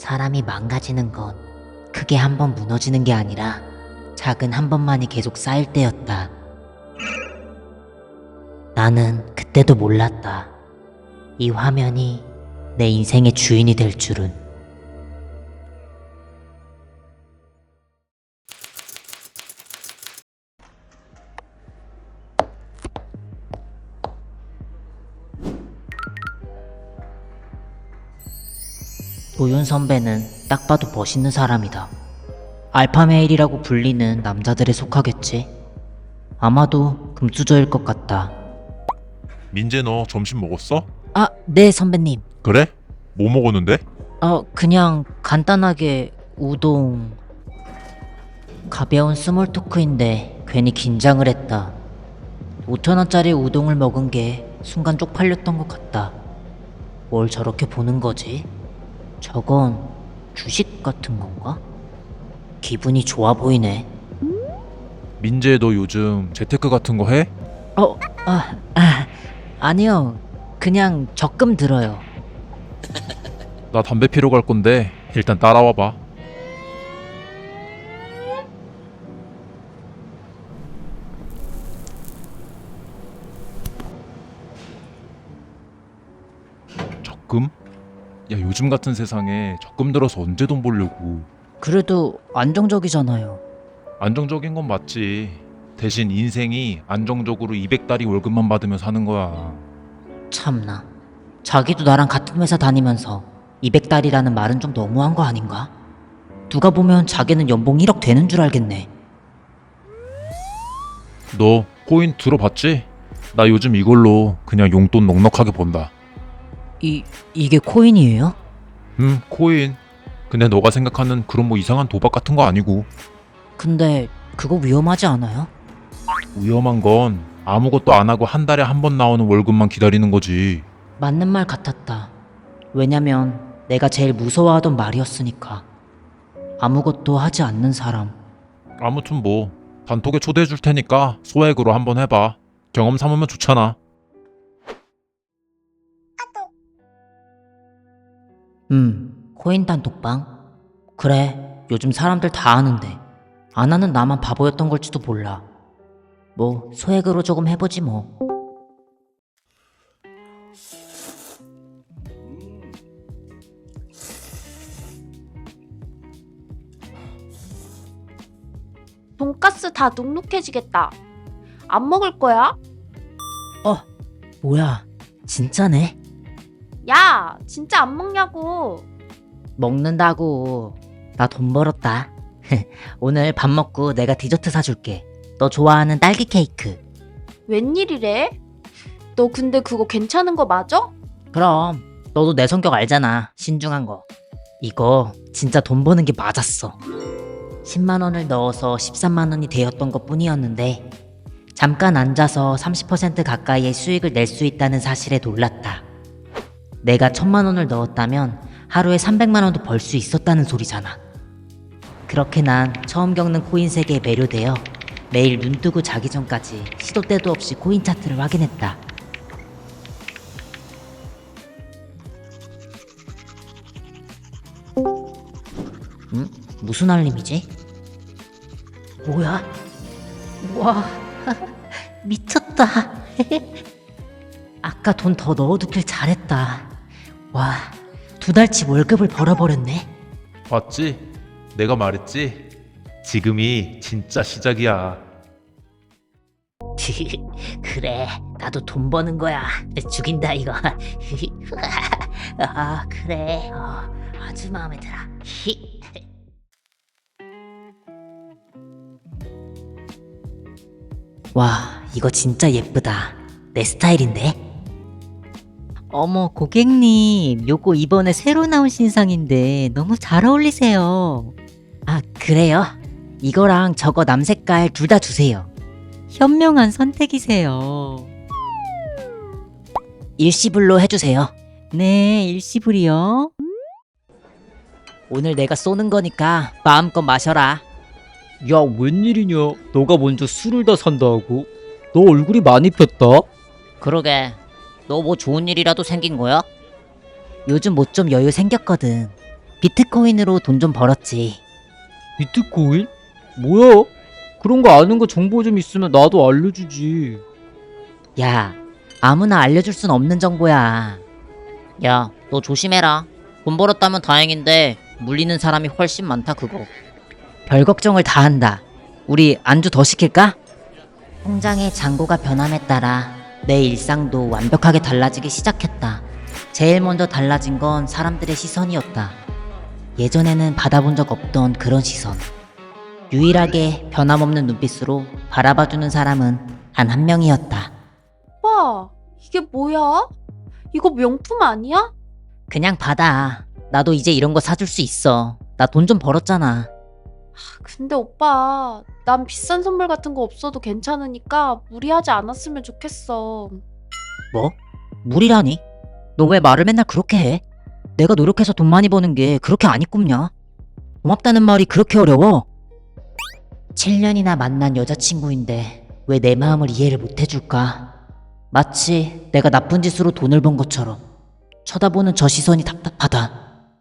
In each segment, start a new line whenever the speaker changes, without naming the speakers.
사람이 망가지는 건 크게 한 번 무너지는 게 아니라 작은 한 번만이 계속 쌓일 때였다. 나는 그때도 몰랐다. 이 화면이 내 인생의 주인이 될 줄은. 도윤 선배는 딱 봐도 멋있는 사람이다. 알파메일이라고 불리는 남자들에 속하겠지. 아마도 금수저일 것 같다.
민재 너 점심 먹었어?
아, 네 선배님.
그래? 뭐 먹었는데?
그냥 간단하게 우동. 가벼운 스몰 토크인데 괜히 긴장을 했다. 5,000원짜리 우동을 먹은 게 순간 쪽팔렸던 것 같다. 뭘 저렇게 보는 거지? 저건 주식 같은 건가? 기분이 좋아 보이네.
민재 너 요즘 재테크 같은 거 해?
아니요. 그냥 적금 들어요.
나 담배 피러 갈 건데 일단 따라와 봐. 적금? 야 요즘 같은 세상에 적금 들어서 언제 돈 벌려고.
그래도 안정적이잖아요.
안정적인 건 맞지. 대신 인생이 안정적으로 200달이 월급만 받으며 사는 거야.
참나. 자기도 나랑 같은 회사 다니면서 200달이라는 말은 좀 너무한 거 아닌가? 누가 보면 자기는 연봉 1억 되는 줄 알겠네.
너 코인 들어봤지? 나 요즘 이걸로 그냥 용돈 넉넉하게 번다.
이게 코인이에요?
코인. 근데 너가 생각하는 그런 뭐 이상한 도박 같은 거 아니고.
근데 그거 위험하지 않아요?
위험한 건 아무것도 안 하고 한 달에 한 번 나오는 월급만 기다리는 거지.
맞는 말 같았다. 왜냐면 내가 제일 무서워하던 말이었으니까. 아무것도 하지 않는 사람.
아무튼 뭐 단톡에 초대해 줄 테니까 소액으로 한번 해봐. 경험 삼으면 좋잖아.
코인 단톡방? 그래, 요즘 사람들 다 하는데 안 하는 나만 바보였던 걸지도 몰라. 뭐 소액으로 조금 해보지 뭐.
돈가스 다 눅눅해지겠다. 안 먹을 거야?
뭐야, 진짜네?
야, 진짜 안 먹냐고.
먹는다고. 나 돈 벌었다. 오늘 밥 먹고 내가 디저트 사줄게. 너 좋아하는 딸기 케이크.
웬일이래? 너 근데 그거 괜찮은 거 맞아?
그럼 너도 내 성격 알잖아. 신중한 거. 이거 진짜 돈 버는 게 맞았어. 10만 원을 넣어서 13만 원이 되었던 것 뿐이었는데 잠깐 앉아서 30% 가까이의 수익을 낼 수 있다는 사실에 놀랐다. 내가 1,000만 원을 넣었다면 하루에 300만 원도 벌 수 있었다는 소리잖아. 그렇게 난 처음 겪는 코인 세계에 매료되어 매일 눈 뜨고 자기 전까지 시도 때도 없이 코인 차트를 확인했다. 무슨 알림이지? 뭐야? 와, 미쳤다. 아까 돈 더 넣어두길 잘했다. 와, 2달치 월급을 벌어버렸네.
봤지? 내가 말했지? 지금이 진짜 시작이야.
그래, 나도 돈 버는 거야. 죽인다 이거. 그래. 아주 마음에 들어. 와, 이거 진짜 예쁘다. 내 스타일인데? 어머, 고객님. 요거 이번에 새로 나온 신상인데 너무 잘 어울리세요. 그래요? 이거랑 저거 남색깔 둘 다 주세요. 현명한 선택이세요. 일시불로 해주세요. 네, 일시불이요. 오늘 내가 쏘는 거니까 마음껏 마셔라.
야, 웬일이냐? 너가 먼저 술을 다 산다고? 너 얼굴이 많이 폈다?
그러게. 너 뭐 좋은 일이라도 생긴 거야? 요즘 뭐 좀 여유 생겼거든. 비트코인으로 돈 좀 벌었지.
비트코인? 뭐야? 그런 거 아는 거 정보 좀 있으면 나도 알려주지.
야, 아무나 알려줄 순 없는 정보야. 야, 너 조심해라. 돈 벌었다면 다행인데 물리는 사람이 훨씬 많다 그거. 별 걱정을 다 한다. 우리 안주 더 시킬까? 통장의 잔고가 변함에 따라 내 일상도 완벽하게 달라지기 시작했다. 제일 먼저 달라진 건 사람들의 시선이었다. 예전에는 받아본 적 없던 그런 시선. 유일하게 변함없는 눈빛으로 바라봐주는 사람은 단 한 명이었다.
오빠, 이게 뭐야? 이거 명품 아니야?
그냥 받아. 나도 이제 이런 거 사줄 수 있어. 나 돈 좀 벌었잖아.
근데 오빠, 난 비싼 선물 같은 거 없어도 괜찮으니까 무리하지 않았으면 좋겠어.
뭐? 무리라니? 너 왜 말을 맨날 그렇게 해? 내가 노력해서 돈 많이 버는 게 그렇게 안 이꿈냐? 고맙다는 말이 그렇게 어려워? 7년이나 만난 여자친구인데 왜 내 마음을 이해를 못 해줄까? 마치 내가 나쁜 짓으로 돈을 번 것처럼 쳐다보는 저 시선이 답답하다.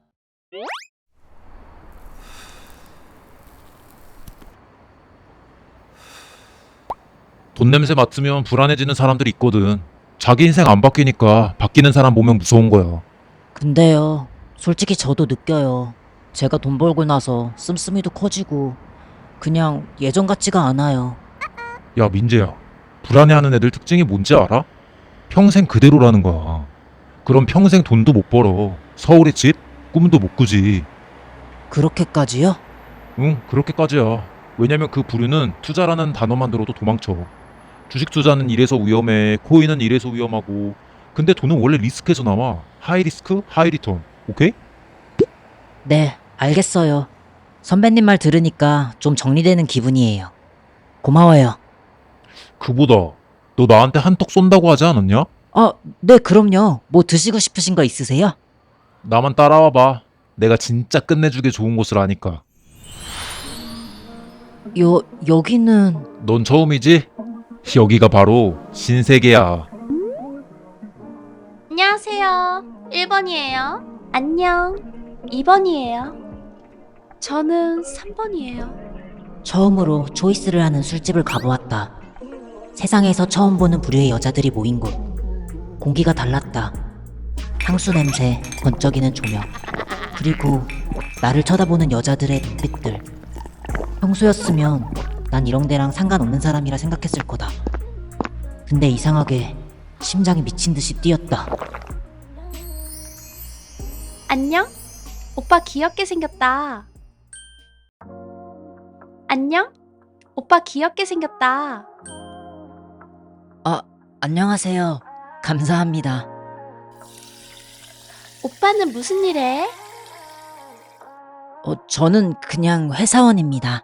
돈 냄새 맡으면 불안해지는 사람들이 있거든. 자기 인생 안 바뀌니까 바뀌는 사람 보면 무서운 거야.
근데요, 솔직히 저도 느껴요. 제가 돈 벌고 나서 씀씀이도 커지고 그냥 예전 같지가 않아요.
야, 민재야. 불안해하는 애들 특징이 뭔지 알아? 평생 그대로라는 거야. 그럼 평생 돈도 못 벌어. 서울의 집? 꿈도 못 꾸지.
그렇게까지요?
응, 그렇게까지야. 왜냐면 그 부류는 투자라는 단어만 들어도 도망쳐. 주식 투자는 이래서 위험해, 코인은 이래서 위험하고. 근데 돈은 원래 리스크에서 나와. 하이 리스크, 하이 리턴. 오케이?
네, 알겠어요. 선배님 말 들으니까 좀 정리되는 기분이에요. 고마워요.
그보다 너 나한테 한턱 쏜다고 하지 않았냐?
네, 그럼요. 뭐 드시고 싶으신 거 있으세요?
나만 따라와 봐. 내가 진짜 끝내주게 좋은 곳을 아니까.
여기는...
넌 처음이지? 여기가 바로 신세계야.
안녕하세요. 1번이에요. 안녕. 2번이에요. 저는 3번이에요.
처음으로 초이스를 하는 술집을 가보았다. 세상에서 처음 보는 부류의 여자들이 모인 곳. 공기가 달랐다. 향수 냄새, 번쩍이는 조명. 그리고 나를 쳐다보는 여자들의 눈빛들. 평소였으면 난 이런 데랑 상관없는 사람이라 생각했을 거다. 근데 이상하게 심장이 미친 듯이 뛰었다.
안녕? 오빠 귀엽게 생겼다. 안녕? 오빠 귀엽게 생겼다.
안녕하세요. 감사합니다.
오빠는 무슨 일 해?
저는 그냥 회사원입니다.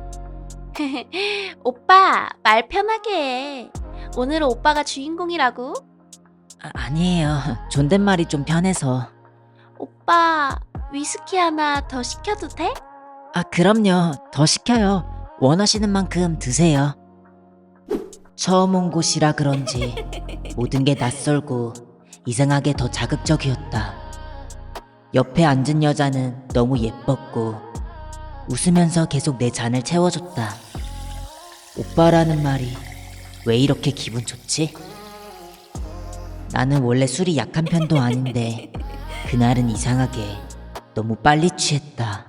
오빠, 말 편하게 해. 오늘은 오빠가 주인공이라고?
아니에요. 존댓말이 좀 편해서.
오빠, 위스키 하나 더 시켜도 돼?
그럼요. 더 시켜요. 원하시는 만큼 드세요. 처음 온 곳이라 그런지 모든 게 낯설고 이상하게 더 자극적이었다. 옆에 앉은 여자는 너무 예뻤고 웃으면서 계속 내 잔을 채워줬다. 오빠라는 말이 왜 이렇게 기분 좋지? 나는 원래 술이 약한 편도 아닌데 그날은 이상하게 너무 빨리 취했다.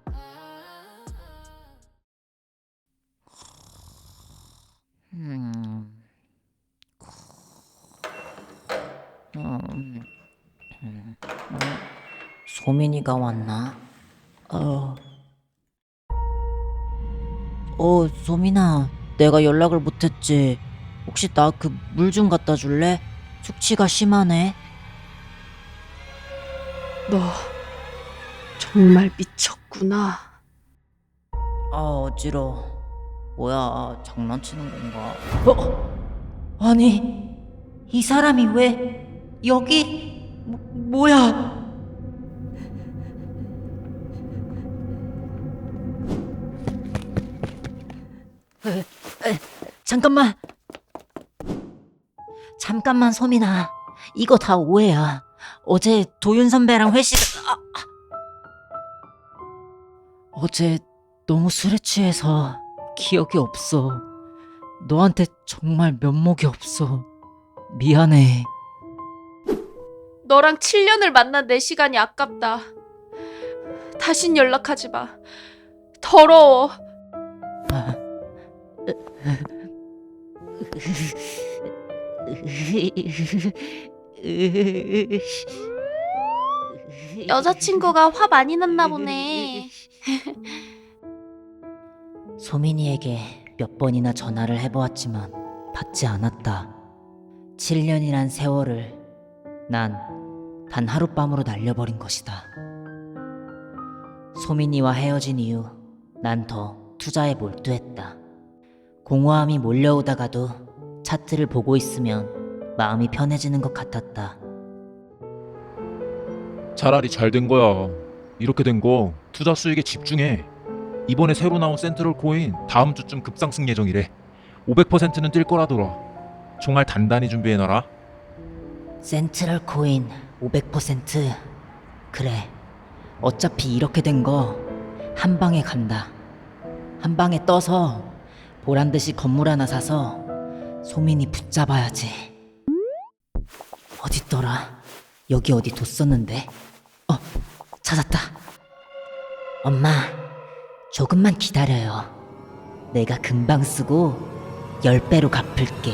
소민이가 왔나? 소민아, 내가 연락을 못했지. 혹시 나 그 물 좀 갖다 줄래? 숙취가 심하네.
너 정말 미쳤구나.
어지러워. 뭐야, 장난치는 건가? 아니, 이 사람이 왜 여기... 뭐야? 잠깐만. 잠깐만, 소민아. 이거 다 오해야. 어제 도윤 선배랑 회식... 어제 너무 술에 취해서 기억이 없어. 너한테 정말 면목이 없어. 미안해.
너랑 7년을 만난 내 시간이 아깝다. 다신 연락하지 마. 더러워. 여자친구가 화 많이 났나 보네.
소민이에게 몇 번이나 전화를 해보았지만 받지 않았다. 7년이란 세월을 난 단 하룻밤으로 날려버린 것이다. 소민이와 헤어진 이후 난 더 투자에 몰두했다. 공허함이 몰려오다가도 차트를 보고 있으면 마음이 편해지는 것 같았다.
차라리 잘 된 거야. 이렇게 된 거 투자 수익에 집중해. 이번에 새로 나온 센트럴 코인 다음 주쯤 급상승 예정이래. 500%는 뛸 거라더라. 총알 단단히 준비해놔라.
센트럴 코인 500%? 그래. 어차피 이렇게 된 거 한 방에 간다. 한 방에 떠서 보란듯이 건물 하나 사서 소민이 붙잡아야지. 어딨더라? 여기 어디 뒀었는데? 찾았다. 엄마, 조금만 기다려요. 내가 금방 쓰고 10배로 갚을게.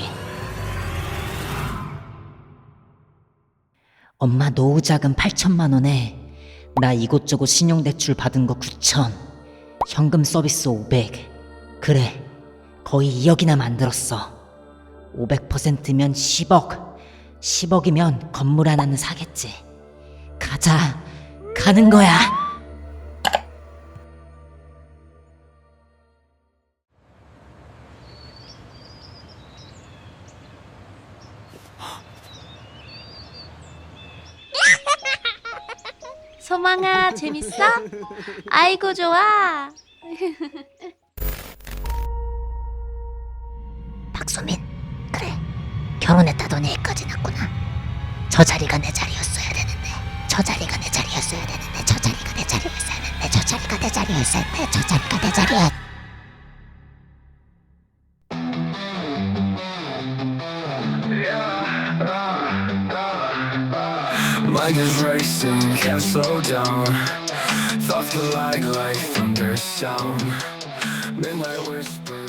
엄마 노후 자금 8천만 원에 나 이곳저곳 신용대출 받은 거 9천, 현금 서비스 500. 그래, 거의 2억이나 만들었어. 500%면 10억. 10억이면 건물 하나는 사겠지. 가자, 가는 거야.
소망아, 재밌어? 아이고, 좋아.
박소민, 그래. 결혼했다더니 애까지 낳구나. 저 자리가 내 자리였어야 되는데. 저 자리가 내 자리였어야 되는데. 저 자리가 내 자리였어야 되는데. 저 자리가 내 자리였어야 되는데. 저 자리가 내 자리였.
Mind is racing, can't slow down. Thoughts feel like thunder sound. Midnight whisper.